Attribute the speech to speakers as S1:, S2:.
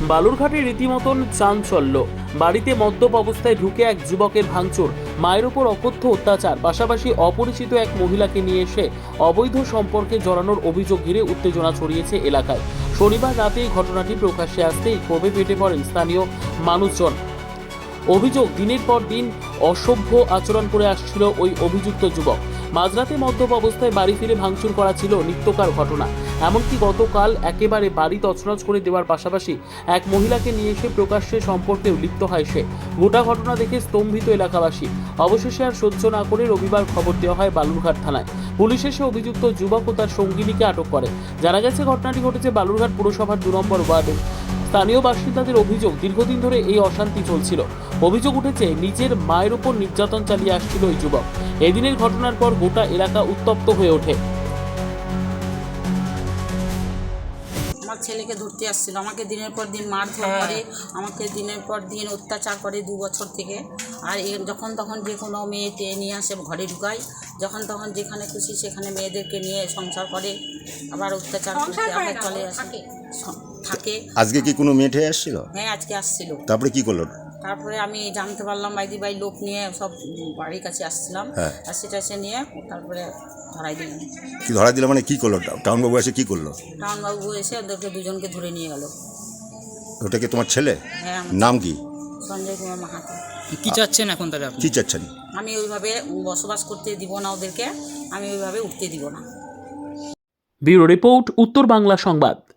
S1: বালুরঘাটে রীতিমতন চাঞ্চল্য। বাড়িতে মদ্যপ অবস্থায় ঢুকে এক যুবকের ভাঙচুর, মায়ের ওপর অকথ্য অত্যাচার, পাশাপাশি অপরিচিত এক মহিলাকে নিয়ে এসে অবৈধ সম্পর্কে জড়ানোর অভিযোগ ঘিরে উত্তেজনা ছড়িয়েছে এলাকায়। শনিবার রাতে এই ঘটনাটি প্রকাশ্যে আসতেই ক্ষোভে ফেটে পড়েন স্থানীয় মানুষজন। অভিযোগ, দিনের পর দিন অসভ্য আচরণ করে আসছিল ওই অভিযুক্ত যুবক। মাঝরাতে মদ্যপ অবস্থায় বাড়ি ফিরে ভাঙচুর করা ছিল নিত্যকার ঘটনা। এমনকি গতকাল একেবারে বাড়ি তছনছ করে দেওয়ার পাশাপাশি এক মহিলাকে নিয়ে এসে প্রকাশ্যে সম্পর্কেও লিপ্ত হয় সে। গোটা ঘটনা দেখে স্তম্ভিত এলাকাবাসী। অবশেষে আর সহ্য না করে রবিবার খবর দেওয়া হয় বালুরঘাট থানায়। পুলিশ এসে অভিযুক্ত যুবক ও তার সঙ্গিনীকে আটক করে। জানা গেছে ঘটনাটি ঘটেছে বালুরঘাট পুরসভার 2 নম্বর ওয়ার্ডে। স্থানীয় বাসিন্দাদের অভিযোগ, দীর্ঘদিন ধরে এই অশান্তি চলছিল। অভিযোগ উঠেছে, নিজের মায়ের উপর নির্যাতন চালিয়ে আসছিল ওই যুবক। এদিনের ঘটনার পর গোটা এলাকা উত্তপ্ত হয়ে ওঠে।
S2: আমার ছেলেকে ধরতে আসছিল, আমাকে দিনের পর দিন মারধর করে, আমাকে দিনের পর দিন অত্যাচার করে 2 বছর থেকে। আর যখন তখন যে কোনো মেয়েকে নিয়ে আসে ঘরে ঢুকায়, যখন তখন যেখানে খুশি সেখানে মেয়েদেরকে নিয়ে সংসার করে, আবার অত্যাচার করতে আবার চলে আসে থাকে।
S3: আজকে কি কোনো মেয়ে ঠেয়ে আসছিল?
S2: হ্যাঁ, আজকে আসছিল।
S3: তারপরে কি করলো?
S2: তারপরে আমি জানতে পারলাম বাইদি ভাই লোক নিয়ে সব বাড়ির কাছে আসছিলাম,
S3: হ্যাঁ।
S2: আর সেটা এসে নিয়ে তারপরে ধরাই দিলাম।
S3: কি ধরা দিল মানে কি করলো? টাউন বাবু এসে কি করলো?
S2: টাউনবাবু এসে ওদেরকে দুজনকে ধরে নিয়ে গেল।
S3: ওটা কি তোমার ছেলে?
S2: হ্যাঁ, আমার
S3: নাম কি?
S2: সঞ্জয় কুমার মাহাতো।
S4: কি চাচ্ছেন এখন তাহলে আপনি?
S3: কি চাচ্ছেন?
S2: আমি ওইভাবে বসবাস করতে দিব না ওদেরকে, আমি ওইভাবে উঠতে দিব না।
S1: ব্যুরো রিপোর্ট, উত্তর বাংলা সংবাদ।